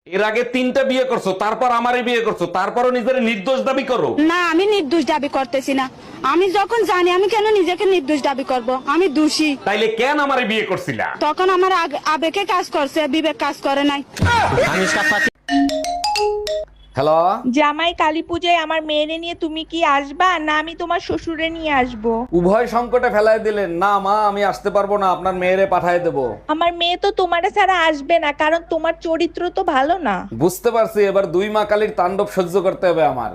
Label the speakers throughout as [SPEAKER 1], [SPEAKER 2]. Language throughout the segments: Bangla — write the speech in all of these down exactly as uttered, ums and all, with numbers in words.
[SPEAKER 1] এর আগে তিনটা বিয়ে করছো, তারপর আমারে বিয়ে করছো, তারপরও নিজের নির্দোষ দাবি করো।
[SPEAKER 2] না, আমি নির্দোষ দাবি করতেছি না। আমি যখন জানি, আমি কেন নিজেকে নির্দোষ দাবি করব? আমি দোষী।
[SPEAKER 1] তাইলে কেন আমারে বিয়ে করছিলা?
[SPEAKER 2] তখন আমার আগ- আবেগে কাজ করছে, বিবেক কাজ করে নাই।
[SPEAKER 1] হ্যালো,
[SPEAKER 3] জামাই কালী পূজায় আমার মেয়েরে নিয়ে তুমি কি আসবা না আমি তোমার শ্বশুরে নিয়ে আসবো?
[SPEAKER 1] উভয় সংকটে ফেলাই দিলেন। না মা, আমি আসতে পারবো না, আপনার মেয়েরে পাঠায় দেবো।
[SPEAKER 3] আমার মেয়ে তো তোমারে ছাড়া আসবে না, কারণ তোমার চরিত্র তো ভালো না।
[SPEAKER 1] বুঝতে পারছি, এবার দুই মা কালীর তাণ্ডব সহ্য করতে হবে আমার।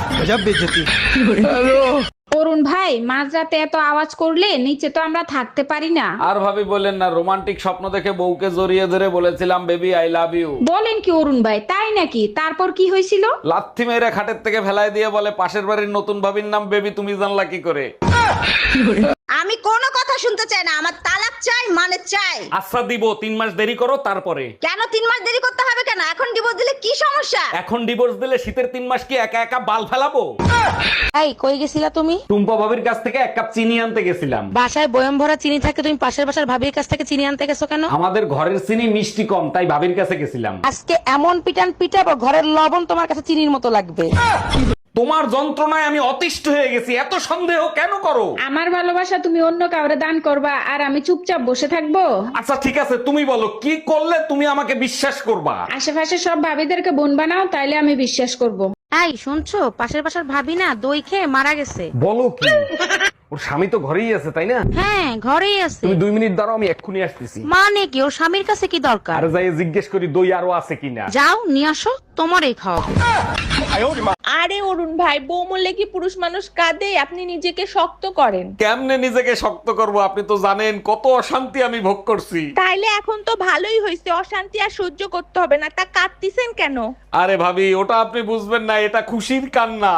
[SPEAKER 4] অরুণ ভাই, মাঝরাতে এত আওয়াজ করলে নিচে তো আমরা থাকতে পারি না।
[SPEAKER 1] আর ভাবি বলেন না, রোমান্টিক স্বপ্ন দেখে বউকে জড়িয়ে ধরে বলেছিলাম বেবি আই লাভ ইউ।
[SPEAKER 4] বলেন কি অরুণ ভাই, তাই নাকি? তারপর কি হয়েছিল?
[SPEAKER 1] লাথি মেরে খাটের থেকে ফেলাই দিয়ে বলে পাশের বাড়ির নতুন ভাবির নাম বেবি, তুমি জানলা কি করে?
[SPEAKER 5] আমি কোনো কথা শুনতে চাই না, আমার তালাক চাই, মানে চাই।
[SPEAKER 1] আচ্ছা দিব, তিন মাস দেরি করো তারপরে।
[SPEAKER 5] কেন তিন মাস দেরি করতে হবে কেন? এখন ডিভোর্স দিলে কি সমস্যা?
[SPEAKER 1] এখন ডিভোর্স দিলে শীতের তিন মাস কি একা একা বাল ফেলাবো?
[SPEAKER 6] এই কই গেছিলা তুমি?
[SPEAKER 1] টুম্পা ভাবির কাছ থেকে এক কাপ চিনি আনতে গেছিলাম।
[SPEAKER 6] বাসায় বয়ম ভরা চিনি থাকে, তুমি পাশের বাসার ভাবির কাছ থেকে চিনি আনতে গেছো কেন?
[SPEAKER 1] আমাদের ঘরের চিনি মিষ্টি কম, তাই ভাবির কাছে গেছিলাম।
[SPEAKER 6] আজকে এমন পিটান পিটাবো, ঘরের লবণ তোমার কাছে চিনির মতো লাগবে।
[SPEAKER 1] তোমার যন্ত্রণায় আমি অতিষ্ঠ হয়ে গেছি, এত সন্দেহ কেন করো?
[SPEAKER 4] আমার ভালোবাসা তুমি অন্য কাউরে দান করবা আর আমি চুপচাপ বসে থাকবো?
[SPEAKER 1] আচ্ছা ঠিক আছে, তুমি বলো কি করলে তুমি আমাকে বিশ্বাস করবা?
[SPEAKER 4] আশেপাশে সব ভাবিদেরকে বোন বানাও, তাইলে আমি বিশ্বাস করব।
[SPEAKER 6] এই শুনছো, পাশের বাসার ভাবি না দই খেয়ে মারা গেছে।
[SPEAKER 1] বলো কি? ওর স্বামী তো ঘরেই আছে তাই না?
[SPEAKER 6] হ্যাঁ, ঘরেই আছে।
[SPEAKER 1] তুমি দুই মিনিট দাঁড়াও, আমি এক্ষুনি আসতেছি।
[SPEAKER 6] মানে কি, ওর স্বামীর কাছে কি দরকার?
[SPEAKER 1] আর যাই জিজ্ঞেস করি দই আরো আছে কিনা।
[SPEAKER 6] যাও নিয়ে আসো, তোমারই খাওয়াবো।
[SPEAKER 3] আরে অরুণ ভাই, বউ মরলে কি পুরুষ মানুষ কাঁদে? আপনি নিজেকে শক্ত করেন।
[SPEAKER 1] কেমনে নিজেকে শক্ত করব? আপনি তো জানেন কত অশান্তি আমি ভোগ করছি।
[SPEAKER 3] তাইলে এখন তো ভালোই হয়েছে, অশান্তি আর সহ্য করতে হবে না। তা কাঁদতিছেন কেন?
[SPEAKER 1] আরে ভাবি, ওটা আপনি বুঝবেন না, এটা খুশির কান্না।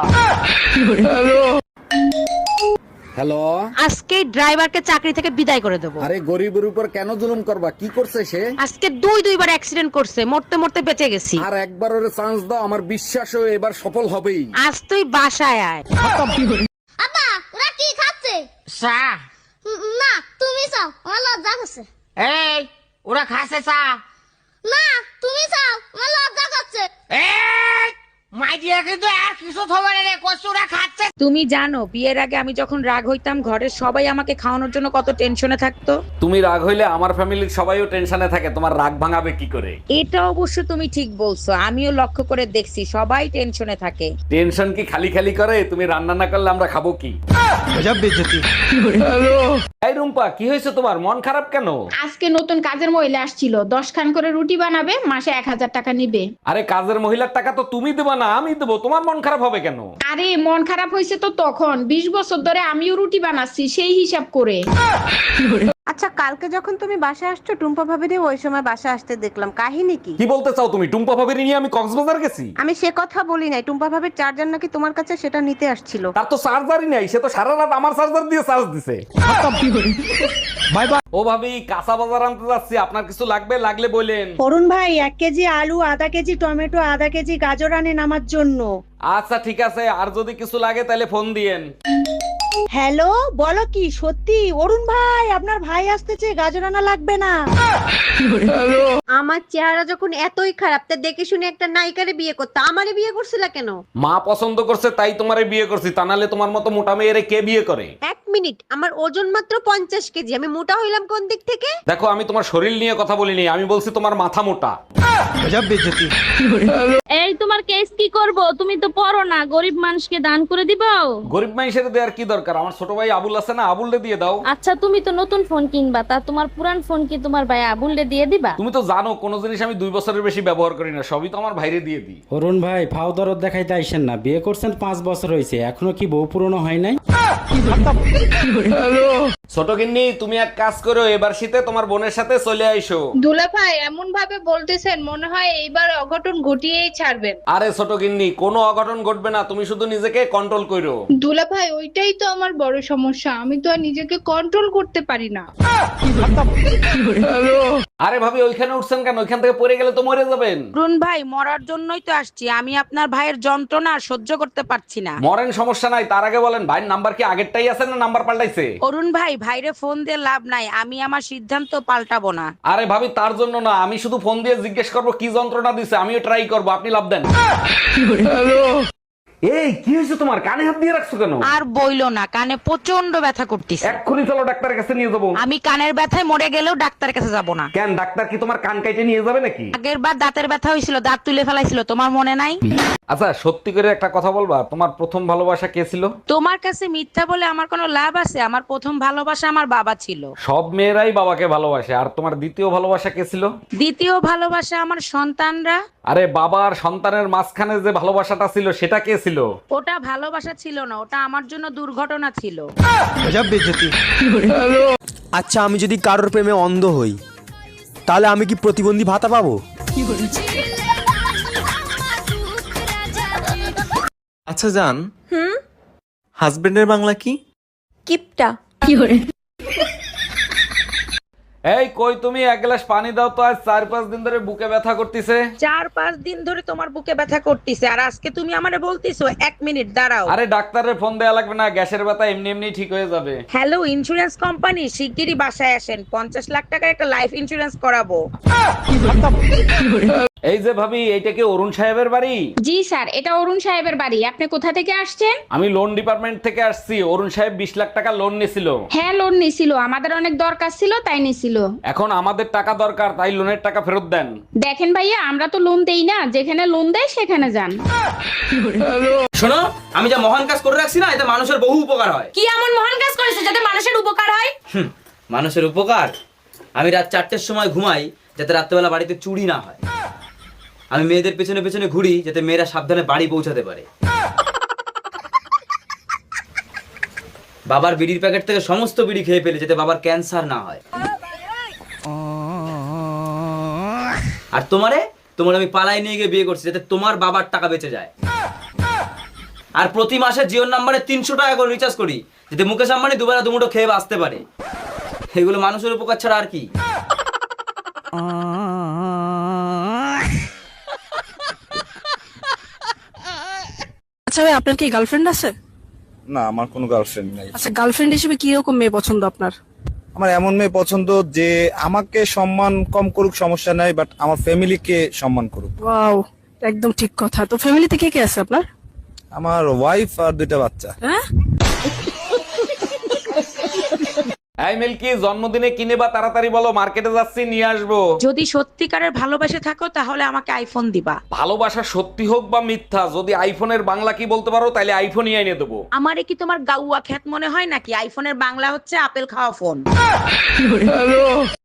[SPEAKER 7] হ্যালো,
[SPEAKER 6] আজকে ড্রাইভারকে চাকরি থেকে বিদায় করে দেবো।
[SPEAKER 7] আরে গরিবের উপর কেন জুলুম করবা? কি করছে সে?
[SPEAKER 6] আজকে দুই দুইবার অ্যাক্সিডেন্ট করছে, মরতে মরতে বেঁচে গেছি।
[SPEAKER 7] আর একবার ওরে চান্স দাও, আমার বিশ্বাস ও এবার সফল হবেই।
[SPEAKER 6] আজ তুই বাসায় আয়।
[SPEAKER 8] আপা, ওরা কি খাচ্ছে?
[SPEAKER 9] চা।
[SPEAKER 8] উম, না, তুমি চাও, আমার লজ্জা করছে।
[SPEAKER 9] এই ওরা খাসে চা।
[SPEAKER 8] না, তুমি চাও, আমার লজ্জা করছে।
[SPEAKER 9] এই মাই দিয়া কিন্তু আর কিছু থবে না রে, কচুরা খাচ্ছে।
[SPEAKER 4] তুমি জানো বিয়ের আগে আমি যখন রাগ হইতাম, ঘরের সবাই আমাকে খাওয়ানোর জন্য কত টেনশনে থাকতো।
[SPEAKER 1] তুমি রাগ হইলে আমার ফ্যামিলির সবাইও টেনশনে থাকে, তোমার রাগ ভাঙাবে কি করে?
[SPEAKER 4] এটা অবশ্য তুমি ঠিক বলছো, আমিও লক্ষ্য করে দেখছি সবাই টেনশনে থাকে।
[SPEAKER 1] টেনশন কি খালি খালি করে? তুমি রান্না না করলে আমরা খাবো কি? এই রুম্পা, কি হয়েছে তোমার? মন খারাপ কেন?
[SPEAKER 4] আজকে নতুন কাজের মহিলা আসছিল, দশ খান করে রুটি বানাবে, মাসে এক হাজার টাকা নিবে।
[SPEAKER 1] আরে কাজের মহিলার টাকা তো তুমি দেবা না, আমি দেবো। তোমার মন খারাপ হবে কেন?
[SPEAKER 4] আরে মন খারাপ হয়েছে তো তখন, বিশ বছর ধরে আমিও রুটি বানাচ্ছি সেই হিসাব করে।
[SPEAKER 10] আচ্ছা, কালকে যখন তুমি বাসা আসছো, টুম্পা ভাবিরে ওই সময় বাসা আসতে দেখলাম, কাহিনী কি?
[SPEAKER 1] কি বলতে চাও তুমি? টুম্পা ভাবির নিয়ে আমি কক্সবাজার গেছি?
[SPEAKER 10] আমি সে কথা বলি নাই, টুম্পা ভাবির চার্জার নাকি তোমার কাছে, সেটা নিতে আসছিল।
[SPEAKER 1] তার তো চার্জারই নাই, সে তো সারা রাত আমার চার্জার দিয়ে চার্জ দিছে। Bye bye. ও ভাবি, কাঁচা বাজার আনতে যাচ্ছি, আপনার কিছু লাগবে? লাগলে বলেন।
[SPEAKER 2] অরুণ ভাই, এক কেজি আলু, আধা কেজি টমেটো, আধা কেজি গাজর আনেন আমার জন্য।
[SPEAKER 1] আচ্ছা ঠিক আছে, আর যদি কিছু লাগে তাহলে ফোন দিয়েন।
[SPEAKER 2] হ্যালো, বলো কি সত্যি? অরুণ ভাই, আপনার ভাই আসতেছে, গাজর আনা লাগবে না।
[SPEAKER 5] আমার চেহারা যখন এতই খারাপ, তা দেখে শুনে একটা নায়িকারে বিয়ে করতে আমারে বিয়ে করছিলা কেন?
[SPEAKER 1] মা পছন্দ করছে তাই তোমারে বিয়ে করছি, তা নাহলে তোমার মতো মোটা মেয়েরে কে বিয়ে করে?
[SPEAKER 5] এক মিনিট, আমার ওজন মাত্র পঞ্চাশ কেজি, আমি মোটা হইলাম কোন দিক থেকে?
[SPEAKER 1] দেখো, আমি তোমার শরীর নিয়ে কথা বলিনি, আমি বলছি তোমার মাথা মোটা।
[SPEAKER 11] এই তোমার কেস কি করব? তুমি তো পড়ো না, গরিব মানুষকে দান করে দিবাও।
[SPEAKER 1] গরিব মানুষের দেওয়ার কি দরকার? আমার ছোট ভাই আবুল আছে না, আবুলরে দিয়ে দাও।
[SPEAKER 11] আচ্ছা তুমি তো নতুন ফোন কিনবা, তা তোমার পুরান ফোন কি তোমার ভাই আবুলরে দিয়ে দিবা?
[SPEAKER 1] তুমি তো জানো কোনো জিনিস আমি দুই বছরের বেশি ব্যবহার করি না, সবই তো আমার ভাইরে দিয়ে দিই।
[SPEAKER 12] অরুণ ভাই, ফাও দরদ দেখাইতে আইসেন না, বিয়ে করছেন পাঁচ বছর হয়েছে, এখনো কি বউ পুরনো হয় নাই?
[SPEAKER 1] ছোট গিন্নি, তুমি এক কাজ করো, এবার শীতে তোমার বোনের সাথে চলে আইসো।
[SPEAKER 4] দুলা ভাই এমন ভাবে বলতেছেন, মনে হয় এইবার অঘটন ঘটিয়েই ছাড়বেন।
[SPEAKER 1] আরে ছোট গিন্নি, কোনো অঘটন ঘটবে না, তুমি শুধু নিজেকে কন্ট্রোল করো।
[SPEAKER 4] দুলা ভাই, ওইটাই তো আমার বড় সমস্যা, আমি তো আর নিজেকে কন্ট্রোল করতে পারি না।
[SPEAKER 1] আরে ভাবি, ওইখানে উঠছেন কেন? ওইখান থেকে পড়ে গেলে তো মরে যাবেন।
[SPEAKER 6] অরুণ ভাই, মরার জন্যই তো আসছি, আমি আপনার ভাইয়ের যন্ত্রণা আর সহ্য করতে পারছি না।
[SPEAKER 1] মরেন, সমস্যা নাই, তার আগে বলেন ভাইয়ের নাম্বার কি আগেরটাই আছে না নাম্বার পাল্টাইছে?
[SPEAKER 6] অরুণ ভাই, এই ভাইরে ফোন দিয়ে লাভ নাই, আমি আমার সিদ্ধান্ত পাল্টাবো না।
[SPEAKER 1] আরে ভাবি তার জন্য না, আমি শুধু ফোন দিয়ে জিজ্ঞেস করবো কি যন্ত্রণা দিছে, আমিও ট্রাই করবো, আপনি লাভ দেন। এই কি হয়েছে তোমার, কানে হাত দিয়ে রাখছো কেন?
[SPEAKER 6] আর বইলো না, কানে প্রচন্ড ব্যথা করতেছে।
[SPEAKER 1] এক্ষুনি চলো ডাক্তারের কাছে নিয়ে যাবো।
[SPEAKER 6] আমি কানের ব্যথায় মরে গেলেও ডাক্তারের কাছে যাব না।
[SPEAKER 1] কেন, ডাক্তার কি তোমার কান কাইটে নিয়ে যাবে নাকি?
[SPEAKER 6] আগের বার দাঁতের ব্যথা হয়েছিল, দাঁত তুলে ফেলাইছিল, তোমার মনে নাই?
[SPEAKER 1] আচ্ছা সত্যি করে একটা কথা বলবা, তোমার প্রথম ভালোবাসা কে ছিল?
[SPEAKER 6] তোমার কাছে মিথ্যা বলে আমার কোনো লাভ আছে? আমার প্রথম ভালোবাসা আমার বাবা ছিল।
[SPEAKER 1] সব মেয়েরাই বাবাকে ভালোবাসে। আর তোমার দ্বিতীয় ভালোবাসা কে ছিল?
[SPEAKER 6] দ্বিতীয় ভালোবাসা আমার সন্তানরা।
[SPEAKER 1] আরে বাবা আর সন্তানের মাঝখানে যে ভালোবাসাটা ছিল সেটা কে ছিল?
[SPEAKER 6] ওটা ভালোবাসা ছিল না, ওটা আমার জন্য দুর্ঘটনা ছিল।
[SPEAKER 13] আচ্ছা আমি যদি কারোর প্রেমে অন্ধ হই তাহলে আমি কি প্রতিবন্ধী ভাতা পাবো?
[SPEAKER 14] আচ্ছা জান, হুম হাজবেন্ডের বাংলা কি?
[SPEAKER 5] কিপটা।
[SPEAKER 1] এই কই তুমি, এক গ্লাস পানি দাও তো, আজ চার পাঁচ দিন ধরে বুকে ব্যথা করতেছে।
[SPEAKER 6] চার পাঁচ দিন ধরে তোমার বুকে ব্যথা করতেছে, আর আজকে তুমি আমারে বলতিছো এক মিনিট দাঁড়াও।
[SPEAKER 1] আরে ডাক্তারের ফোন দেয়া লাগবে না, গ্যাসের ব্যথা এমনি এমনি ঠিক হয়ে যাবে।
[SPEAKER 6] হ্যালো ইন্স্যুরেন্স কোম্পানি, শিগগিরই বাসায় আসেন, পঞ্চাশ লাখ টাকার একটা লাইফ ইন্স্যুরেন্স করাবো।
[SPEAKER 1] এই যে ভাবি, এইটা কি অরুণ সাহেবের বাড়ি?
[SPEAKER 4] জি স্যার, এটা অরুণ সাহেবের বাড়ি। আপনি কোথা থেকে আসছেন?
[SPEAKER 1] আমি লোন ডিপার্টমেন্ট থেকে আসছি। অরুণ সাহেব বিশ লাখ টাকা লোন নিছিল।
[SPEAKER 4] হ্যাঁ লোন নিছিল, আমাদের অনেক দরকার ছিল তাই নিছিল।
[SPEAKER 1] এখন আমাদের টাকা দরকার, তাই লোনের টাকা ফেরত দেন।
[SPEAKER 4] দেখেন ভাইয়া, আমরা তো লোন দেই না, যেখানে লোন দেয় সেখানে যান।
[SPEAKER 9] শোনো, আমি যা মহান কাজ করে রাখছি না, এতে মানুষের বহু উপকার হয়।
[SPEAKER 3] কি এমন মহান কাজ করেছে যাতে মানুষের উপকার হয়?
[SPEAKER 9] হুম, মানুষের উপকার? আমি রাত চারটের সময় ঘুমাই যাতে রাত্রেবেলা বাড়িতে চুরি না হয়। আমি মেয়েদের পেছনে পেছনে ঘুরি যাতে মেয়েরা সাবধানে বাড়ি পৌঁছাতে পারে। বাবার বিড়ির প্যাকেট থেকে সমস্ত বিড়ি খেয়ে ফেলে যাতে বাবার ক্যান্সার না হয়। আর তোমারে তোমার আমি পালাই নিয়ে গিয়ে বিয়ে করছি যাতে তোমার বাবার টাকা বেঁচে যায়। আর প্রতি মাসে জিওর নাম্বারে তিনশো টাকা করে রিচার্জ করি যাতে মুকেশ আম্বানি দুবেলা দুমুঠো খেয়ে বাঁচতে পারে। এগুলো মানুষের উপকার ছাড়া আর কি?
[SPEAKER 10] আচ্ছা ভাই, আপনার কি গার্লফ্রেন্ড আছে?
[SPEAKER 13] না আমার কোনো গার্লফ্রেন্ড নাই।
[SPEAKER 10] আচ্ছা গার্লফ্রেন্ড হিসেবে কি রকম মেয়ে পছন্দ আপনার?
[SPEAKER 13] আমার এমন মেয়ে পছন্দ যে আমাকে সম্মান কম করুক সমস্যা নাই, বাট আমার ফ্যামিলিকে সম্মান করুক।
[SPEAKER 10] ওয়াও, একদম ঠিক কথা। তো ফ্যামিলিতে কে কে আছে আপনার?
[SPEAKER 13] আমার ওয়াইফ আর দুইটা বাচ্চা।
[SPEAKER 10] হ্যাঁ,
[SPEAKER 1] এই মিল্কি, জন্মদিনে কিনে বা তাড়াতাড়ি বলো, মার্কেটে যাচ্ছি, নিয়ে আসবো।
[SPEAKER 6] যদি সত্যিকারের ভালোবাসে থাকো তাহলে আমাকে আইফোন দিবা।
[SPEAKER 1] ভালোবাসা সত্যি হোক বা মিথ্যা, যদি আইফোনের বাংলা কি বলতে পারো তাহলে আইফোনই এনে দেবো।
[SPEAKER 6] আমারে কি তোমার গাউয়া খ্যাত মনে হয় নাকি? আইফোনের বাংলা হচ্ছে আপেল খাওয়া ফোন।